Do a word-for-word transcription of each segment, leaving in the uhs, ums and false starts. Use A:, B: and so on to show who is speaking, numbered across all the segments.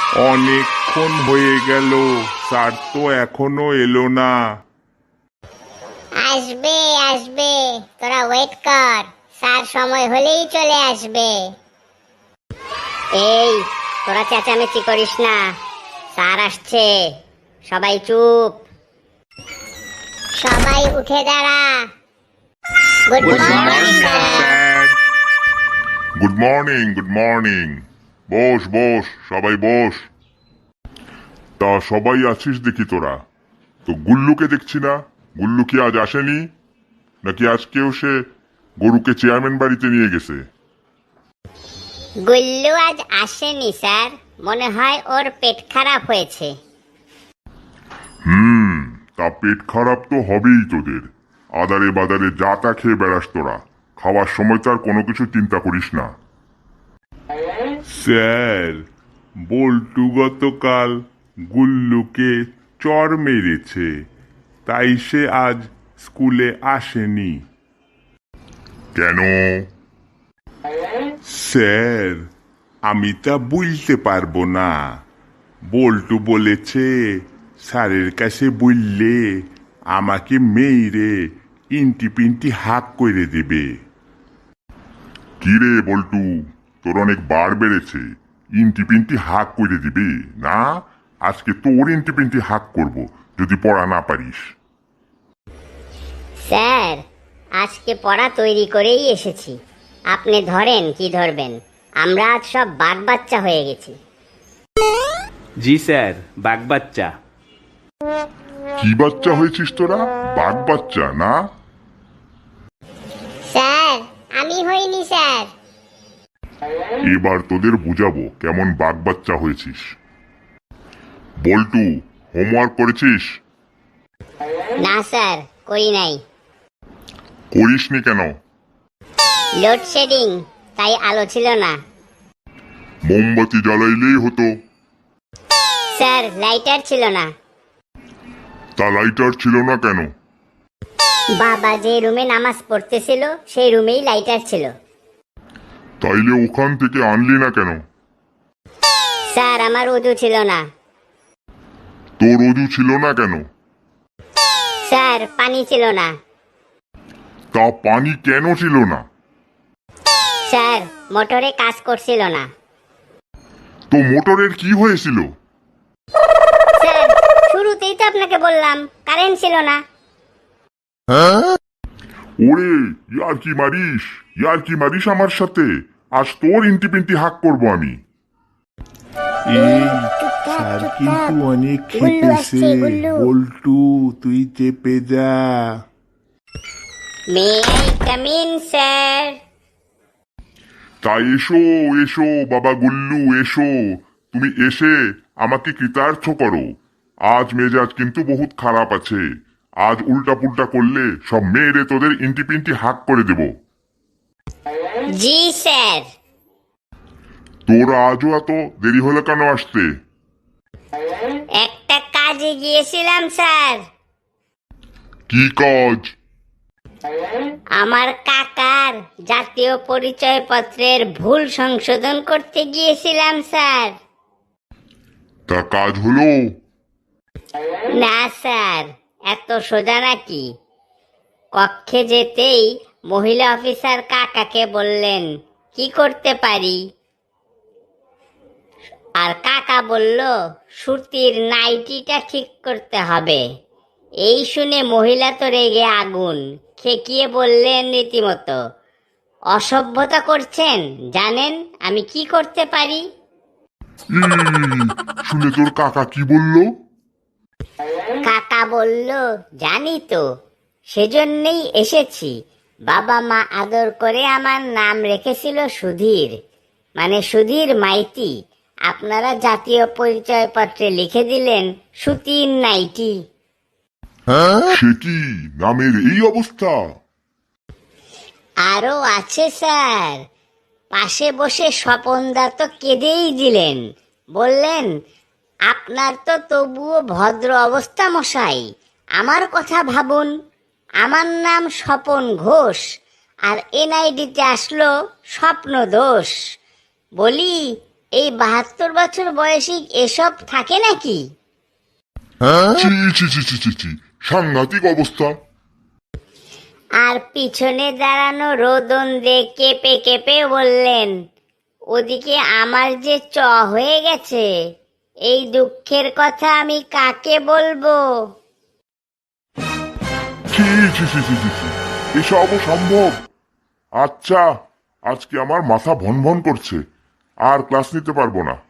A: অনেকক্ষণ হয়ে গেল, স্যার তো এখনো এলো না।
B: আসবে আসবে, তোরা ওয়েট কর, স্যার সময় হলেই চলে আসবে। এই, তোরা চেঁচামেচি করিস না, স্যার আসছে। সবাই চুপ, সবাই উঠে দাঁড়া। Good
A: good
B: morning
A: morning
B: sir.
A: Sir. Good morning, good morning. Boss boss, সবাই বস। তা সবাই আছিস দেখি তোরা। তো গুল্লুকে দেখছি না, গুল্লু কি আজ আসেনি? নাকি আজকেও সে গরুকে চেয়ারম্যান বাড়িতে নিয়ে গেছে?
B: গুল্লু আজ আসেনি স্যার, মনে হয় ওর পেট খারাপ হয়েছে।
A: হুম, তা পেট খারাপ তো হবেই তোদের। আদারে বাদারে যা তা খেয়ে বেড়াস তোরা, খাওয়ার সময় তার কোনো কিছু চিন্তা করিস না। স্যার, বল্টু গতকাল গুল্লুকে চর মেরেছে, তাই সে আজ স্কুলে আসেনি। কেন? স্যার, আমি তা বুঝতে পারবো না। বল্টু বলেছে স্যারের কাছে বললে আমাকে মেয়েরে ইন্টি পিন্টি হাক করে দেবে। কিরে বল্টু, তোর অনেক বার বেড়েছে, ইন্টি পিন্টি হাক করে দিবে না? আজকে তোর ইন্টি পিন্টি হাক করব যদি পড়া না পারিস।
B: স্যার, আজকে পড়া তৈরি করেই এসেছি, আপনি ধরেন কি ধরবেন। আমরা আজ সব বাঘ বাচ্চা হয়ে গেছি।
C: জি স্যার, বাঘ বাচ্চা।
A: কি বাচ্চা হয়েছিস তোরা? বাঘ বাচ্চা না?
B: স্যার, আমি হইনি স্যার।
A: এবার তোদের বুঝাবো কেমন বাঘ বাচ্চা হয়েছিস। বল্টু, হোমওয়ার্ক করেছিস?
B: না স্যার, করি নাই।
A: করিসনি কেন?
B: লোডশেডিং, তাই আলো ছিল না।
A: মোমবাতি জ্বালাইলেই হতো।
B: স্যার, লাইটার ছিল না।
A: তা লাইটার ছিল না কেন?
B: বাবা যে রুমে নামাজ পড়তেছিল সেই রুমেই লাইটার ছিল।
A: তাইলে ওখান থেকে আনলি না কেন?
B: স্যার, আমার উযু ছিল না।
A: তোর অজু ছিল না কেন?
B: স্যার, পানি ছিল না।
A: তা পানি কেন ছিল না?
B: স্যার, মোটরে কাজ করছিল না।
A: তো মোটরের কি হয়েছিল?
B: স্যার, শুরুতেই তো আপনাকে বললাম কারেন্ট ছিল না।
A: ওরে, ইয়ার কি মারিস, ইয়ার কি মারিস আমার সাথে? আজ তোর ইন্টি পিন্টি হাক করবো আমি।
D: এই স্যার কিন্তু অনেক খেপেছে। বল্টু, তুই চেপে যা।
B: May I come in sir?
A: তা এসো এসো বাবা গুল্লু, এসো। তুমি এসে আমাকে কৃতার্থ করো। আজ মেজাজ কিন্তু বহুত খারাপ আছে। আজ উল্টা পুল্টা করলে সব মেয়েরে তোদের ইন্টি পিন্টি হাক করে দেব।
B: জি স্যার।
A: তোর আজও এত দেরি হলো কেন আসতে?
B: একটা কাজে গিয়েছিলাম স্যার।
A: কি কাজ?
B: আমার কাকার জাতীয় পরিচয়পত্রের ভুল সংশোধন করতে গিয়েছিলাম স্যার।
A: তা কাজ হলো?
B: না স্যার, এত সোজা নাকি? কক্ষে যেতেই মহিলা অফিসার কাকাকে বললেন কি করতে পারি, আর কাকা বলল সুতির নাইটিটা ঠিক করতে হবে। এই শুনে মহিলা তো রেগে আগুন, খেকিয়ে বললেন রীতিমতো, অসভ্যতা করছেন, জানেন আমি কি করতে পারি?
A: ই, শুনে তোর কাকা কি বললো?
B: কাকা বলল জানি তো, সেজন্যই এসেছি। বাবা মা আদর করে আমার নাম রেখেছিল সুধীর, মানে সুধীর মাইতি। আপনারা জাতীয় পরিচয়পত্রে লিখে দিলেন সুতির নাইটি।
A: সে কি, নামের এই অবস্থা?
B: আরো আছে স্যার, পাশে বসে স্বপনদা তো কেঁদেই দিলেন, বললেন আপনার তো তবুও ভদ্র অবস্থা মশাই, আমার কথা ভাবুন। আমার নাম স্বপন ঘোষ, আর এনআইডিতে আসলো স্বপ্ন দোষ। বলি এই বাহাত্তর বছর বয়সী এসব থাকে নাকি?
A: ছি ছি ছি ছি ছি ছি, সাংঘাতিক অবস্থা।
B: আর পিছনে দাঁড়ানো রোদন দে কেঁপে কেঁপে বললেন, ওদিকে আমার যে চ হয়ে গেছে, এই দুঃখের কথা আমি কাকে বলবো?
A: ছি ছি ছি ছি ছি ছি, এসবও সম্ভব? আচ্ছা, আজকে আমার মাথা ভন ভন করছে, আর ক্লাস নিতে পারবো না।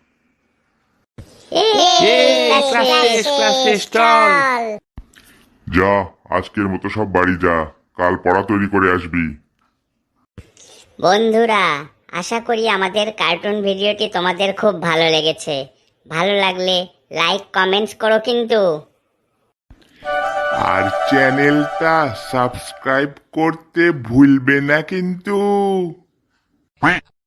C: ক্লাস শেষ, ক্লাস শেষ, চল।
A: যা, আজকের মতো সব বাড়ি যা, কাল পড়া তৈরি করে আসবি।
B: বন্ধুরা, আশা করি আমাদের কার্টুন ভিডিওটি তোমাদের খুব ভালো লেগেছে। ভালো লাগলে লাইক কমেন্টস করো কিন্তু।
D: আর চ্যানেলটা সাবস্ক্রাইব করতে ভুলবে না কিন্তু।